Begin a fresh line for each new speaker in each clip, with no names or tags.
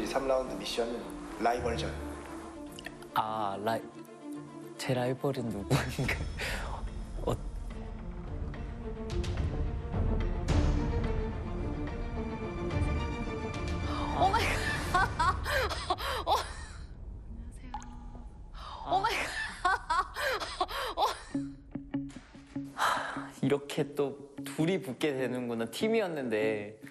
3라운드 미션은 라이벌전.
제 라이벌은 누구인가?
오 마이 갓. 오 마이 갓.
이렇게 또 둘이 붙게 되는구나. 팀이었는데.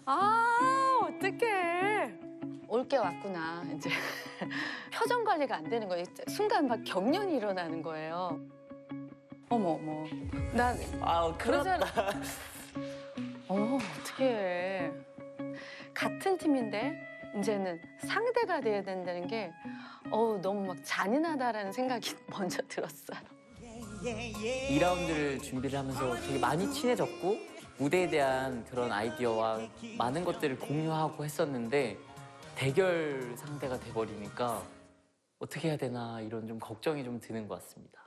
어떡해. 올 게 왔구나, 이제. 표정 관리가 안 되는 거예요. 순간 막 경련이 일어나는 거예요. 어머. 난
그렇다.
어머, 어떡해. 같은 팀인데 이제는 상대가 돼야 된다는 게 너무 막 잔인하다라는 생각이 먼저 들었어요.
2라운드를 준비를 하면서 되게 많이 친해졌고 무대에 대한 그런 아이디어와 많은 것들을 공유하고 했었는데 대결 상대가 돼버리니까 어떻게 해야 되나 이런 좀 걱정이 좀 드는 것 같습니다.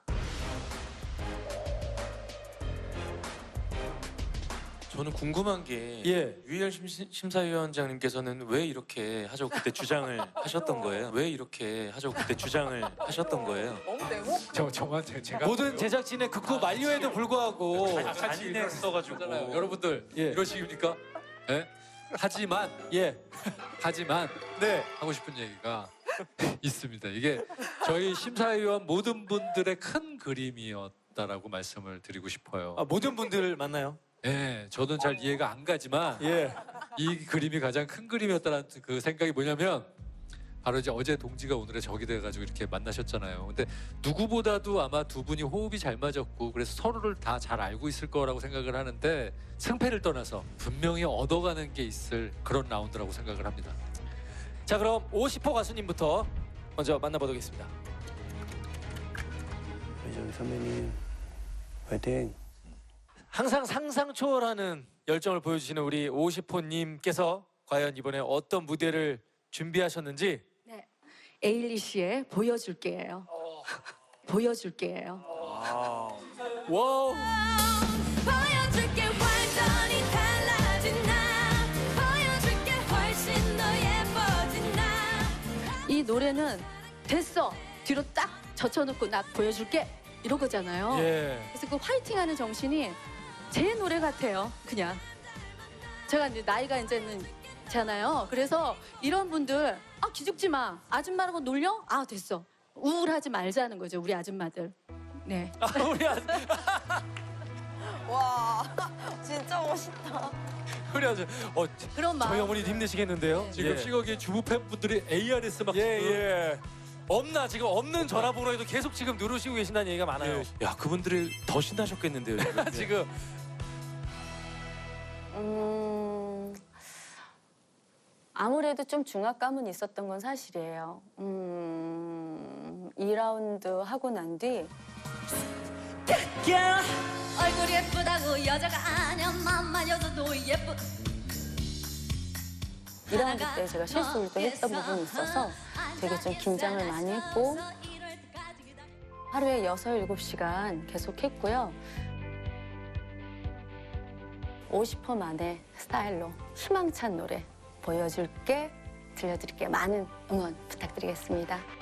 저는 궁금한 게 유희열 심사위원장님께서는 왜 이렇게 하자고 그때 주장을 하셨던 거예요? 왜 이렇게 하자고 그때 주장을 하셨던 거예요?
제가
모든 제작진의 극구 만료에도 불구하고
잔인했어가지고
여러분들 이러시입니까? 예? 하지만
네.
하고 싶은 얘기가 있습니다. 이게 저희 심사위원 모든 분들의 큰 그림이었다라고 말씀을 드리고 싶어요.
모든 분들 만나요?
예, 저는 잘 이해가 안 가지만 이 그림이 가장 큰 그림이었다는 그 생각이 뭐냐면 바로 이제 어제 동지가 오늘의 적이 돼가지고 이렇게 만나셨잖아요. 근데 누구보다도 아마 두 분이 호흡이 잘 맞았고 그래서 서로를 다 잘 알고 있을 거라고 생각을 하는데 승패를 떠나서 분명히 얻어가는 게 있을 그런 라운드라고 생각을 합니다.
자, 그럼 50호 가수님부터 먼저 만나보겠습니다.
배정 선배님 화이팅.
항상 상상 초월하는 열정을 보여주시는 우리 50호님께서 과연 이번에 어떤 무대를 준비하셨는지.
네, 에일리시의 보여줄게예요. 보여줄게예요.
와우.
보여줄게 완전히 달라진 나 보여줄게 훨씬 더 예뻐진 나.
이 노래는 됐어 뒤로 딱 젖혀놓고 나 보여줄게 이런 거잖아요. 그래서 그 화이팅하는 정신이 제 노래 같아요. 그냥 제가 이제 나이가 이제는 잖아요. 그래서 이런 분들 기죽지 마. 아줌마라고 놀려? 됐어. 우울하지 말자는 거죠. 우리 아줌마들. 네.
우리
와 진짜 멋있다.
우리 아주
그런 마음.
저희 어머니 힘내시겠는데요?
지금 시각에 주부 팬분들이 ARS 막
없나 지금 없는 전화번호에도 계속 지금 누르시고 계신다는 얘기가 많아요.
야, 그분들이 더 신나셨겠는데요.
지금
아무래도 좀 중압감은 있었던 건 사실이에요. 2라운드 하고 난 뒤
얼굴이 예쁘다고 여자가 아니야 맘만 여자도 예쁘.
2라운드 때 제가 실수를 또 했던 부분이 있어서 되게 좀 긴장을 많이 했고 하루에 6, 7시간 계속 했고요. 50%만의 스타일로 희망찬 노래 보여줄게, 들려드릴게 많은 응원 부탁드리겠습니다.